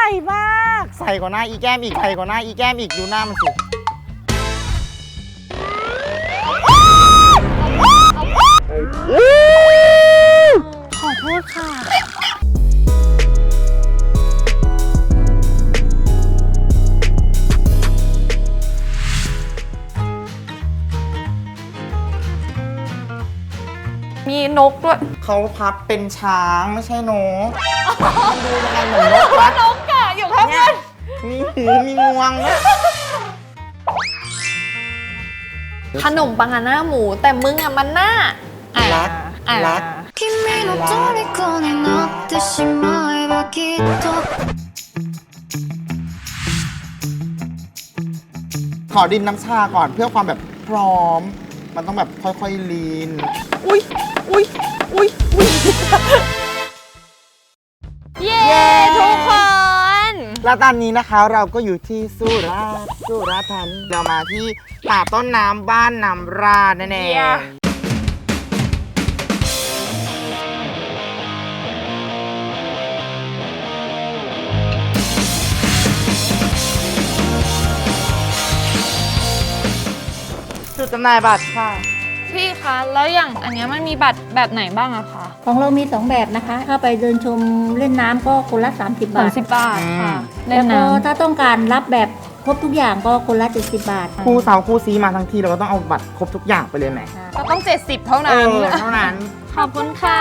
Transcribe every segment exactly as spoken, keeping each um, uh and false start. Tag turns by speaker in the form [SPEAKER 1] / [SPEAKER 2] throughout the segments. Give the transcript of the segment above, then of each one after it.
[SPEAKER 1] ส่มากใส่กว่าหน้าอีแก้มอีกใส่กว่าหน้าอีแก้มอีกดูหน้ามันสิขอโทษค่ะ
[SPEAKER 2] มีนกด้วย
[SPEAKER 1] เขาพับเป็นช้างไม่ใช่นกมันดูยังไงเหมือนนกวะ
[SPEAKER 2] นกอะอยู่ข้างบน
[SPEAKER 1] มีหูมีงวงนะ
[SPEAKER 2] ขนมปังหน้าหมูแต่มึงอะมันหน้า
[SPEAKER 1] รักรักขอดินน้ำชาก่อนเพื่อความแบบพร้อมมันต้องแบบค่อยๆลีน
[SPEAKER 2] อุ้ยอุ้ยอุ้ยอุ้ยเย้ทุกคน
[SPEAKER 1] แล้วตอนนี้นะคะเราก็อยู่ที่สุราษฎร์สุราษฎร์ธานีเรามาที่ป่าต้นน้ำบ้านน้ำราดนั่นเองจุดจำหน่ายบัตรค่ะ
[SPEAKER 2] พี่คะแล้วอย่างอันนี้มันมีบัตรแบบไหนบ้างอะคะ
[SPEAKER 3] ของเรามีสองแบบนะคะถ้าไปเดินชมเล่นน้ำก็คนละสามสิบบาท
[SPEAKER 2] สามสิบบาทค่ะ
[SPEAKER 3] แล้วก็ถ้าต้องการรับแบบครบทุกอย่างก็คนละเจ็ดสิบบาท
[SPEAKER 1] คู่สาวคู่ซีมาทั้งทีเราก็ต้องเอาบัตรครบทุกอย่างไปเลยไหม
[SPEAKER 2] ก็ต้องเจ็ดสิบเท่านั้น
[SPEAKER 1] เท่านั้น
[SPEAKER 2] ขอบคุณค่ะ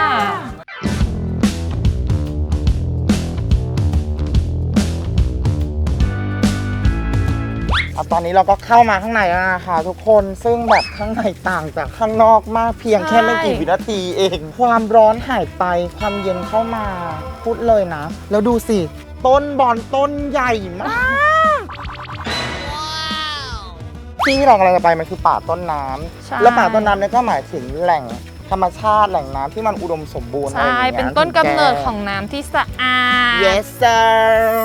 [SPEAKER 1] ตอนนี้เราก็เข้ามาข้างในแล้วนะคะทุกคนซึ่งแบบข้างในต่างจากข้างนอกมากเพียงแค่ไม่กี่วินาทีเองความร้อนหายไปความเย็นเข้ามาพูดเลยนะแล้วดูสิต้นบอนต้นใหญ่มากที่เรากำลังจะไปมันคือป่าต้นน้ำแล้วป่าต้นน้ำเนี่ยก็หมายถึงแหล่งธรรมชาติแหล่งน้ำที่มันอุดมสมบูรณ์
[SPEAKER 2] ใช่เป็นต้นกำเนิดของน้ำที่สะอาด
[SPEAKER 1] yes sir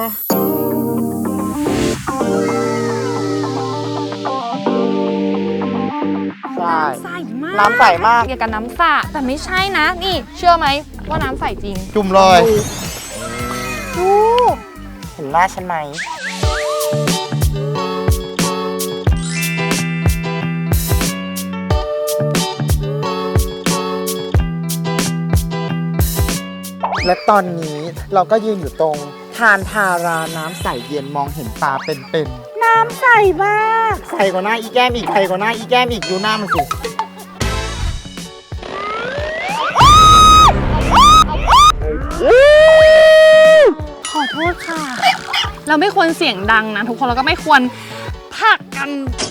[SPEAKER 2] น้ำใสมาก
[SPEAKER 1] น้ำใสมาก
[SPEAKER 2] เกี่ยวกับน้ำสระแต่ไม่ใช่นะนี่เชื่อไหมว่าน้ำใสจริง
[SPEAKER 1] จุ่มเลยดูเห็นหน้าฉันไหมและตอนนี้เราก็ยืนอยู่ตรงทานทาราน้ำใสเย็นมองเห็นตาเป็นๆน้ำใสมากใสกว่าหน้าอีแก้มอีกใสกว่าหน้าอีแก้มอีกดูหน้ามันสิ
[SPEAKER 2] ขอโทษค่ะเราไม่ควรเสียงดังนะทุกคนเราก็ไม่ควรผลักกัน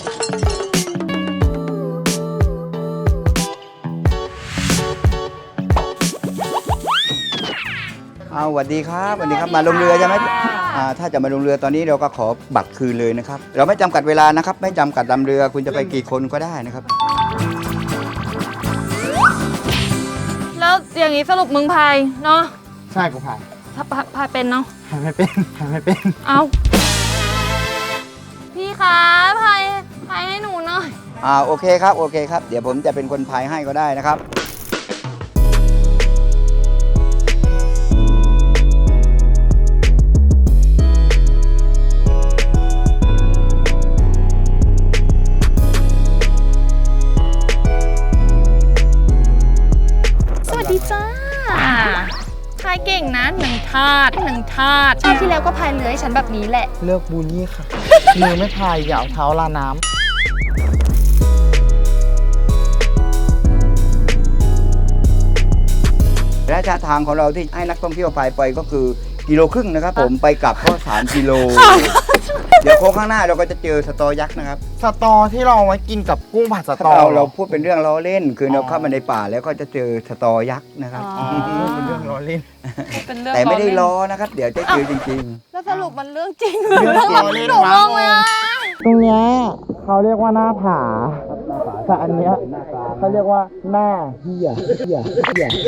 [SPEAKER 4] เอาสวัสดีครับสวัสดีครับมาลงเรือใช่ไหมถ้าจะมาลงเรือตอนนี้เราก็ขอบัตรคืนเลยนะครับเราไม่จำกัดเวลานะครับไม่จำกัดลำเรือคุณจะไปกี่คนก็ได้นะครับ
[SPEAKER 2] แล้วอย่างนี้สรุปมึงพายเนาะ
[SPEAKER 1] ใช่กูพาย
[SPEAKER 2] ถ้าพายเป็นเนาะ
[SPEAKER 1] พายไม่เป็นพายไม่เป็น
[SPEAKER 2] เอาพี่คะพายพายให้หนูหน่อย
[SPEAKER 4] อ่าโอเคครับโอเคครับเดี๋ยวผมจะเป็นคนพายให้ก็ได้นะครับ
[SPEAKER 2] พายเก่งนะหนึ่งทาดหนึ่งทาดชาติที่แล้วก็พายเรือให้ฉันแบบนี้แหละ
[SPEAKER 1] เลือกบูลลี่ค่ะมือไม่พายอย่าเอาเท้าลาน้
[SPEAKER 4] ำระยะทางของเราที่ให้นักท่องเที่ยวพายไปก็คือกิโลครึ่งนะครับผมไปกลับก็สามกิโลเดี๋ยวโค้งข้างหน้าเราก็จะเจอสตอยักษ์นะครับ
[SPEAKER 1] สตอที่เราเอาไว้กินกับกุ้งผัดสตอ
[SPEAKER 4] เราเราพูดเป็นเรื่องล้อเล่นคือเราเข้ามาในป่าแล้วก็จะเจอสตอยักษ์นะครับ
[SPEAKER 1] เป็นเรื่องล้อเล่น
[SPEAKER 4] แต่ไม่ได้ล้อนะครับเดี๋ยวจะเจอจริง
[SPEAKER 2] ๆแล้วสรุปมันเรื่องจริงหรือเรื่องล้อเล่นวะ
[SPEAKER 1] ตรงนี้เขาเรียกว่าหน้าผาแต่อันเนี้ยเขาเรียกว่าหน้าเหี้ยเหี้ยเหี้ย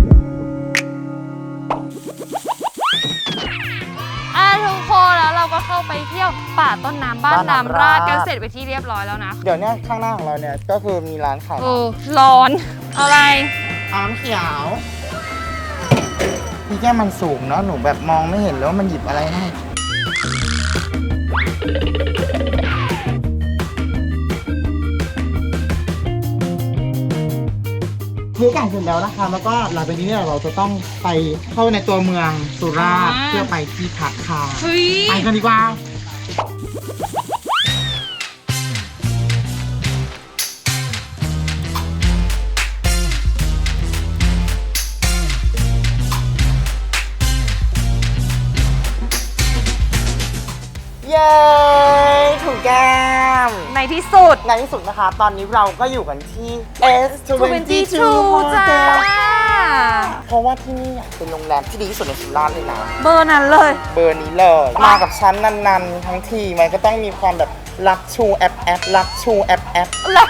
[SPEAKER 2] ทุกคนแล้วเราก็เข้าเข้าไปเที่ยวป่าต้นน้ำบ้านน้ำราดกันเสร็จไปที่เรียบร้อยแล้วนะ
[SPEAKER 1] เดี๋ยวเนี้ยข้างหน้าของเราเนี่ยก็คือมีร้านขาย
[SPEAKER 2] เออร้อนอะไร
[SPEAKER 1] น้ำเขียวพี่แก้มมันสูงเนาะหนูแบบมองไม่เห็นแล้วว่ามันหยิบอะไรให้ซื้อไก่เสร็จแล้วนะคะแล้วก็หลังจากนี้เนี่ยเราจะต้องไปเข้าในตัวเมืองสุราษฎร์
[SPEAKER 2] อ่า
[SPEAKER 1] เพื่อไปที่พักค่ะ
[SPEAKER 2] เฮ้ย
[SPEAKER 1] ไปกันดีกว่าเย้ถูกแก้ม
[SPEAKER 2] ในที่สุด
[SPEAKER 1] ในที่สุดนะคะ ตอนนี้เราก็อยู่กันที่ เอส ยี่สิบสอง
[SPEAKER 2] จ้า
[SPEAKER 1] Hotel เพราะว่าที่นี่อ่ะเป็นโรงแรมที่ดีที่สุดในสุราษฎร์เลยนะ
[SPEAKER 2] เบอร์นั้นเลย
[SPEAKER 1] เบอร์นี้เลย มากับชั้นนันๆ ทั้งทีมันก็ต้องมีความแบบรักชูแอปแอปรักชูแอปแอป
[SPEAKER 2] ลัก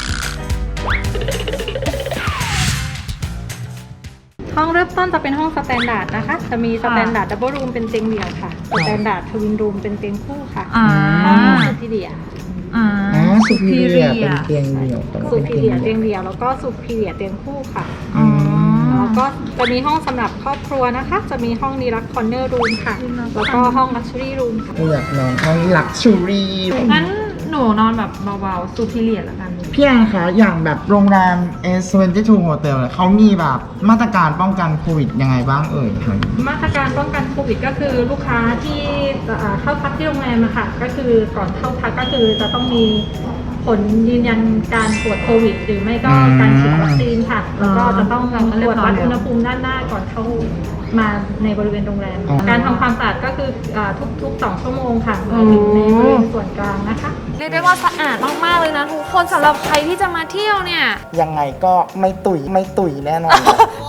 [SPEAKER 5] ห้องเริ่มต้นจะเป็นห้องสแตนดาร์ดนะคะ จะมีสแตนดาร์ดดับเบิลรูมเป็นเตียงเดี่ยวค่ะ สแตนดาร์ดทวินรูมเป็นเตียงคู่ค่ะ
[SPEAKER 2] อ่า
[SPEAKER 5] ห้องสุพีเรีย
[SPEAKER 2] อ่า
[SPEAKER 1] อ๋อสุพีเรียเป็นเตียงเดี่ยว
[SPEAKER 5] สุพีเรียเตียงเดี่ยวแล้วก็สุพีเรียเตียงคู่ค่ะ
[SPEAKER 1] อืม
[SPEAKER 5] แล้วก็จะมีห้องสำหรับครอบครัวนะคะ จะมีห้องดีลักคอร์เนอร์รูมค่ะ แล้วก็ห้องลักชัวรี่รูมค่ะ
[SPEAKER 1] กูอยากนอนห้องลักชูรี่
[SPEAKER 5] งั้นหนูนอนแบบเบาๆสุพีเรียแล้วกัน
[SPEAKER 1] พี่แอนคะอย่างแบบโรงแรม เอส ยี่สิบสอง Hotel เนี่ยเขามีแบบมาตรการป้องกันโควิดยังไงบ้างเอ่ย
[SPEAKER 5] มาตรการป้องกันโควิดก็คือลูกค้าที่จะอ่าเข้าพักที่โรงแรมอะค่ะก็คือก่อนเข้าพักก็คือจะต้องมีผลยืนยันการตรวจโควิด หรือไม่ก็การฉีดวัคซีนค่ะ แล้วก็จะต้องตรวจวัดอุณหภูมิด้านหน้าก่อนเข้ามาในบริเวณโรงแรม การทำความสะอาดก็คืออ่าทุกๆสองชั่วโมงค่ะหมายถึงในบริเวณส่วนกลางนะคะ
[SPEAKER 2] เรียกได้ว่าสะอาดมาก ๆ เลยนะทุกคนสำหรับใครที่จะมาเที่ยวเนี่ย
[SPEAKER 1] ยังไงก็ไม่ตุ๋ยไม่ตุ๋ยแน่นอน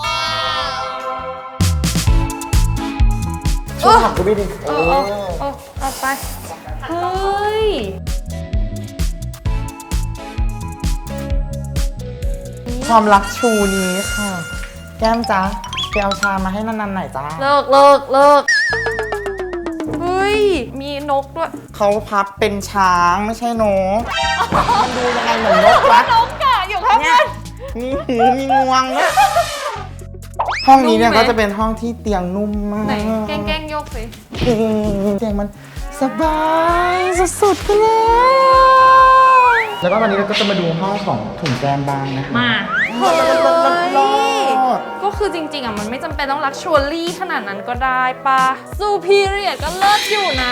[SPEAKER 1] ช่วยขับกูด้วยดิ
[SPEAKER 2] เออเออเออเอาไป เฮ้ย
[SPEAKER 1] ความรักชูนี้ค่ะ แก้มจ๊ะไปเอาชามาให้นันๆหน่อยจ้า
[SPEAKER 2] เลิกเลิกเลิกเฮ้ย มีนกด้วย
[SPEAKER 1] เขาพับเป็นช้างไม่ใช่นกมันดูยังไงเหมือนนกวะ
[SPEAKER 2] นกอะอยู่ข้างบน
[SPEAKER 1] มีหูมีงวงเนี่ยห้องนี้เนี่ย
[SPEAKER 2] นุ่มไหม
[SPEAKER 1] ก็จะเป็นห้องที่เตียงนุ่มมาก
[SPEAKER 2] ไหนแกล้งแกล้งโยกสิ
[SPEAKER 1] เตียงมันสบายสุดๆไปเลย แล้วก็วันนี้เราก็จะมาดูห้องของถุงแกมบ้างนะคะ
[SPEAKER 2] มา
[SPEAKER 1] เฮ้ย
[SPEAKER 2] ก็คือจริง ๆ อ่ะ มันไม่จำเป็นต้องลักชัวรี่ขนาดนั้นก็ได้ปะซูพีเรียก็เลิศอยู่นะ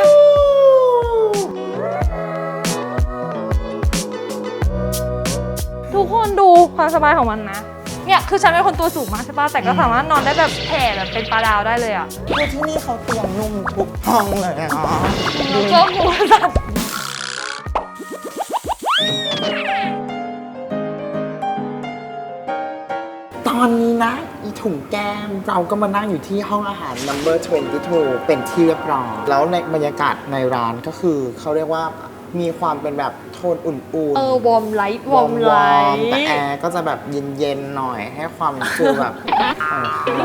[SPEAKER 2] ทุกคนดูความสบายของมันนะ เนี่ยคือฉันเป็นคนตัวสูงมากใช่ปะแต่ก็สามารถนอนได้แบบแผ่แบบเป็นปลาดาวได้เลยอ่ะ
[SPEAKER 1] คือที่นี่เขาเตียงนุ่มทุกห้องเลยอ่ะ
[SPEAKER 2] แล้วก็หัวสัตว์
[SPEAKER 1] ตอนนี้นะอีถุงแก้มเราก็มานั่งอยู่ที่ห้องอาหาร number ยี่สิบสอง เป็นที่เรียบร้อยแล้วในบรรยากาศในร้านก็คือเขาเรียกว่ามีความเป็นแบบโทนอุ่นๆ
[SPEAKER 2] เออวอร์มไลท์วอร์มไลท์
[SPEAKER 1] แต่แอร์ก็จะแบบเย็นๆหน่อยให้ความฟิลแบบเออได้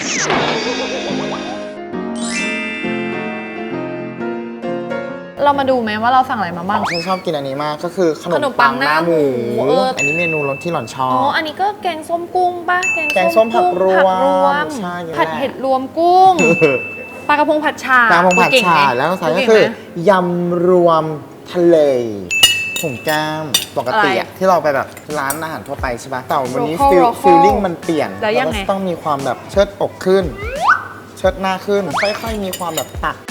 [SPEAKER 2] เรามาดูไหมว่าเราสั่งอะไรมาบ้าง
[SPEAKER 1] ฉันชอบกินอันนี้มากก็คือขน
[SPEAKER 2] ขน
[SPEAKER 1] ม
[SPEAKER 2] มปั
[SPEAKER 1] ปั
[SPEAKER 2] ง
[SPEAKER 1] ง
[SPEAKER 2] ห
[SPEAKER 1] ห
[SPEAKER 2] น้า
[SPEAKER 1] น้า
[SPEAKER 2] ห
[SPEAKER 1] ห
[SPEAKER 2] มู
[SPEAKER 1] มู
[SPEAKER 2] เออ
[SPEAKER 1] อันนี้เมนูรสที่หล่อนชอ
[SPEAKER 2] อ๋อ
[SPEAKER 1] บ
[SPEAKER 2] อันนี้ก็แกงส้มกุ้งป่ะ
[SPEAKER 1] แกงส้มผักรวม
[SPEAKER 2] ผักรวม
[SPEAKER 1] ใช่อย่างนั้น
[SPEAKER 2] ผัดเห็ดรวมกุ้ง ปลากระพงผัดฉ่า
[SPEAKER 1] ตามพงผัด
[SPEAKER 2] เก่ง
[SPEAKER 1] ฉ่า
[SPEAKER 2] ไหม
[SPEAKER 1] แล้วก็ใส่ก็
[SPEAKER 2] เง
[SPEAKER 1] คือ
[SPEAKER 2] ไหม
[SPEAKER 1] ยำรวมทะเลถุงแก้มปกติ
[SPEAKER 2] อะไร
[SPEAKER 1] อะที่เราไปแบบร้านอาหารทั่วไปใช่ปะแต่วันนี้
[SPEAKER 2] Local
[SPEAKER 1] ฟิล
[SPEAKER 2] Local
[SPEAKER 1] ฟิลลิ่งมันเปลี่ยน
[SPEAKER 2] แล้วยังไง
[SPEAKER 1] ก็ต้องมีความแบบเชิดอกขึ้น เชิดหน้าขึ้น ค่อยๆมีความแบบตัก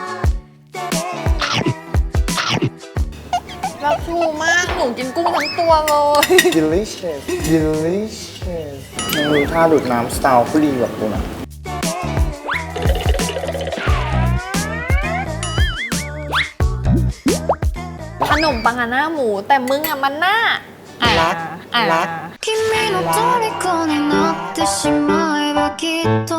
[SPEAKER 2] รักชูมาก หนูกินกุ้งทั้งตัวเลย
[SPEAKER 1] delicious delicious ยังมีท่าดูดน้ำสไตล์ผู้ดีแบบกูนะ
[SPEAKER 2] ขนมปังอะหน้าหมูแต่มึงอะมันหน้าอ่ะ
[SPEAKER 1] รัก
[SPEAKER 2] อ่ะ
[SPEAKER 1] รัก
[SPEAKER 6] 君の虜になってしまえばきっと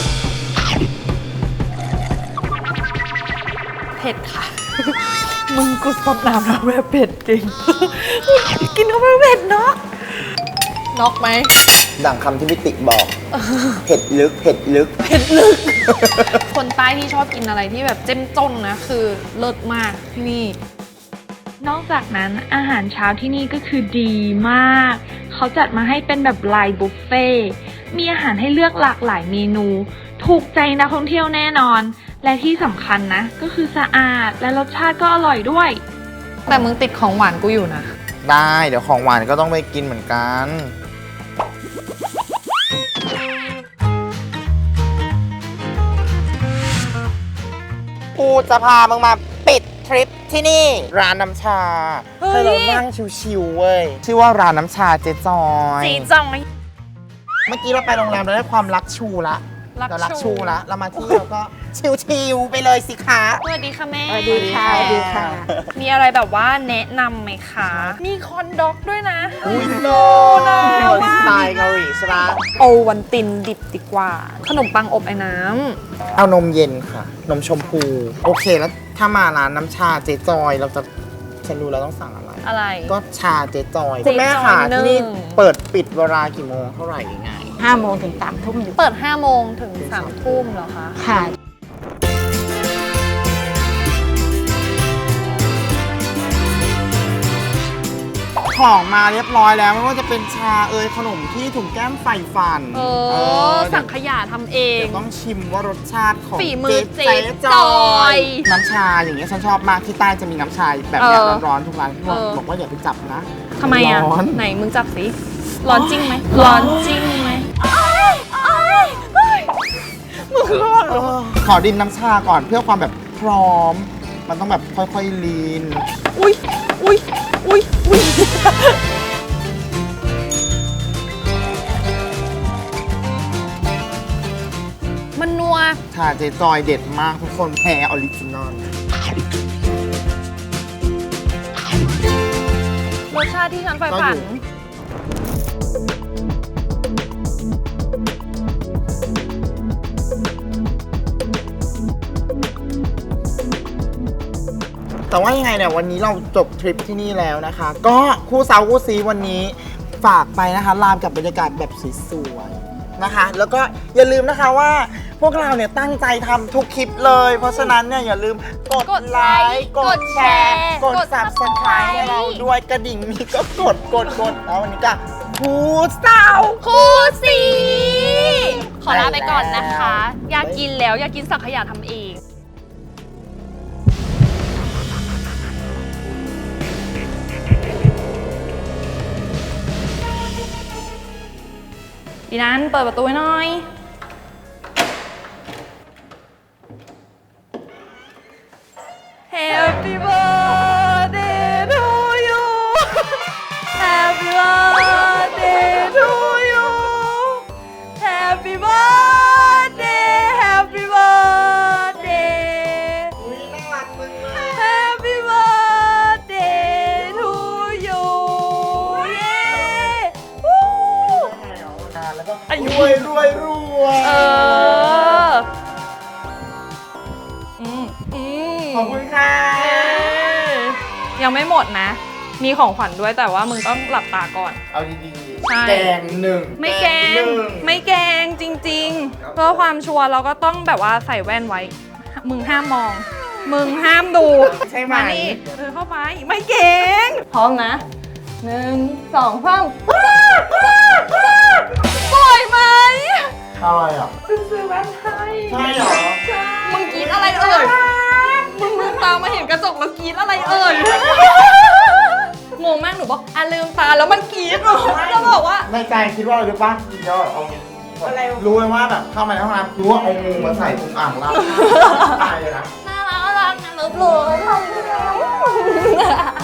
[SPEAKER 2] เผ็ดค่ะ มึงกูสดน้ำแล้วแบบเผ็ดจริง กินเข้าไปเผ็ดเนาะน็อกไหม
[SPEAKER 1] ดังคำที่พิติบอก เผ็ดลึก เผ็ดลึก
[SPEAKER 2] คนต้ที่ชอบกินอะไรที่แบบเจ้มจนนะคือเลิศมากที่นี่
[SPEAKER 7] นอกจากนั้นอาหารเช้าที่นี่ก็คือดีมาก เขาจัดมาให้เป็นแบบไลน์บุฟเฟ่ต์มีอาหารให้เลือกหลากหลายเมนู ถูกใจนักท่องเที่ยวแน่นอน และที่สำคัญนะก็คือสะอาดและรสชาติก็อร่อยด้วย
[SPEAKER 2] แต่มึงติดของหวานกูอยู่นะ
[SPEAKER 1] ได้เดี๋ยวของหวานก็ต้องไปกินเหมือนกัน กูจะพามึงมาปิดทริปที่นี่ ร้านน้ำชา
[SPEAKER 2] เฮ้ย
[SPEAKER 1] ให้เรานั่งชิวๆเว้ย ชื่อว่าร้านน้ำชาเจ๊จอย
[SPEAKER 2] จีจังไหม
[SPEAKER 1] เมื่อกี้เราไปโรงแรมเราได้ความรักชูละ
[SPEAKER 2] รัก
[SPEAKER 1] เรารัก
[SPEAKER 2] ชู
[SPEAKER 1] ชูละเรามาที่เราก็ชิวๆไปเลยสิคะ
[SPEAKER 2] สวัสดีค่ะแม่
[SPEAKER 1] สวัสดีค่ะสวัสดีค่ะ
[SPEAKER 2] มีอะไรแบบว่าแนะนำไหมคะ มีคอนด็อกด้วยนะ
[SPEAKER 1] อุ้ยโล
[SPEAKER 2] น่ารัก
[SPEAKER 1] สไตล์เกาหลีใช่ปะ
[SPEAKER 2] โอวันตินดิบดีกว่า ขนมปังอบไอ้น้
[SPEAKER 1] เอานมเย็นค่ะ นมชมพู โอเคแล้วถ้ามาร้านน้ำชาเจ๊จอยเราจะฉันรู้แล้วต้องสั่งอะไร
[SPEAKER 2] ำอะไร
[SPEAKER 1] ก็ชาเจ๊จอย
[SPEAKER 2] เจ๊จอย
[SPEAKER 1] คุณแม่ค่ะ
[SPEAKER 2] หนึ่ง
[SPEAKER 1] ที่นี่เปิดปิดเวลากี่โมงเท่าไหร่ยังไง
[SPEAKER 8] ห้าโมงถึงสามทุ่มอยู่
[SPEAKER 2] เปิดห้าโมงถึงสามทุ่มเหรอคะ
[SPEAKER 8] ค่ะ
[SPEAKER 1] ของมาเรียบร้อยแล้วไม่ว่าจะเป็นชาเอยขนมที่ถุงแก้มใส่ฟัน
[SPEAKER 2] เอ
[SPEAKER 1] เอ
[SPEAKER 2] อ
[SPEAKER 1] อ
[SPEAKER 2] สั่งขยะทำเอง
[SPEAKER 1] เดี๋ยวต้องชิมว่ารสชาติของ
[SPEAKER 2] ฝีมือเจ๊จอย
[SPEAKER 1] น้ำชาอย่างเงี้ยฉันชอบมากที่ใต้จะมีน้ำชาแบบเนี้ย
[SPEAKER 2] เออ
[SPEAKER 1] ร้อนๆทุกร้านที่บอก
[SPEAKER 2] เออ
[SPEAKER 1] บอกว่าอย่าไปจับนะ
[SPEAKER 2] ทำไมอ่ะ
[SPEAKER 1] ร้อน
[SPEAKER 2] ไหนมึงจับสิ ร้อนจริงไหม ร้อนจริงไหม
[SPEAKER 1] เออขอดินน้ำชาก่อนเพื่อความแบบพร้อม มันต้องแบบค่อยๆลีน
[SPEAKER 2] อุ้ยอุ้ยอุ้ยอุ้ยมันนัว
[SPEAKER 1] ชาเจ๊จอยเด็ดมากทุกคนแพ้ออริจินอล
[SPEAKER 2] รสชาติที่ฉันใฝ่
[SPEAKER 1] ก็
[SPEAKER 2] ฝั
[SPEAKER 1] อน ยู่ แต่ว่ายังไงเนี่ยวันนี้เราจบทริปที่นี่แล้วนะคะ ก็คู่สาวคู่ซีวันนี้ฝากไปนะคะลามกับบรรยากาศแบบสวยๆนะคะ แล้วก็อย่าลืมนะคะว่าพวกเราเนี่ยตั้งใจทำทุกคลิปเลย เพราะฉะนั้นเนี่ยอย่าลืมกด
[SPEAKER 2] กด
[SPEAKER 1] ไล
[SPEAKER 2] ไลค์
[SPEAKER 1] ค์กดแชร์
[SPEAKER 2] ก
[SPEAKER 1] ก
[SPEAKER 2] ด
[SPEAKER 1] ด
[SPEAKER 2] แชร์
[SPEAKER 1] subscribe ให้เราด้วยกระดิ่งมีก็กดกดกดแล้ววันนี้ก็คู่สาว
[SPEAKER 2] คู่สีขอลาไปก่อนนะคะ
[SPEAKER 1] ไปแล้ว
[SPEAKER 2] อยากกินแล้ว อยากกินสังขยาทำเอง ดีนั้นเปิดประตูให้หน่อย Happy birthday to you Happy birthday to you Happy birthday Happy birthday
[SPEAKER 1] อุ๊ยน่ารักมึงมาก
[SPEAKER 2] Happy birthday to you เย้วู้
[SPEAKER 1] แล้วก็รวยรวยรวย
[SPEAKER 2] เออ อืมอืม
[SPEAKER 1] ขอบคุณค่ะ
[SPEAKER 2] ยังไม่หมดนะ มีของขวัญด้วยแต่ว่ามึงต้องหลับตาก่อน
[SPEAKER 1] เอาดี
[SPEAKER 2] ใช่
[SPEAKER 1] ๆแกงหนึ่ง
[SPEAKER 2] ไม่แกง
[SPEAKER 1] หนึ่ง
[SPEAKER 2] ไม่แกงจริงๆ เพื่อความชัวร์เราก็ต้องแบบว่าใส่แว่นไว้ มึงห้ามมอง มึงห้ามดู
[SPEAKER 1] ใช่ไหม
[SPEAKER 2] มานี่เออเข้าไป ไม่แกง พร้อมนะหนึ่งสองสามปล่อยไหม
[SPEAKER 1] อะไรอ่ะ
[SPEAKER 2] ซื้อแว่นให้
[SPEAKER 1] ใช่เหรอ
[SPEAKER 2] มึงกรีดอะไรเอ่ย มึงลืมตามาเห็นกระจกแล้วกรีดอะไรเอ่ย งงมากหนูบอกอ่ะลืมตาแล้วมันกรีดหนูแล้วบอกว่า
[SPEAKER 1] ในใจคิดว่าอะไรรู้ป่ะเดี๋ยวเอาอะไรรู้ไหมว่าแบบเข้ามาในห้องน้ำรู้ว่าเอางูมาใส่ตรงอ่างล้างตายเลยนะ
[SPEAKER 2] น่ารักน่ารักนะเลิฟเลย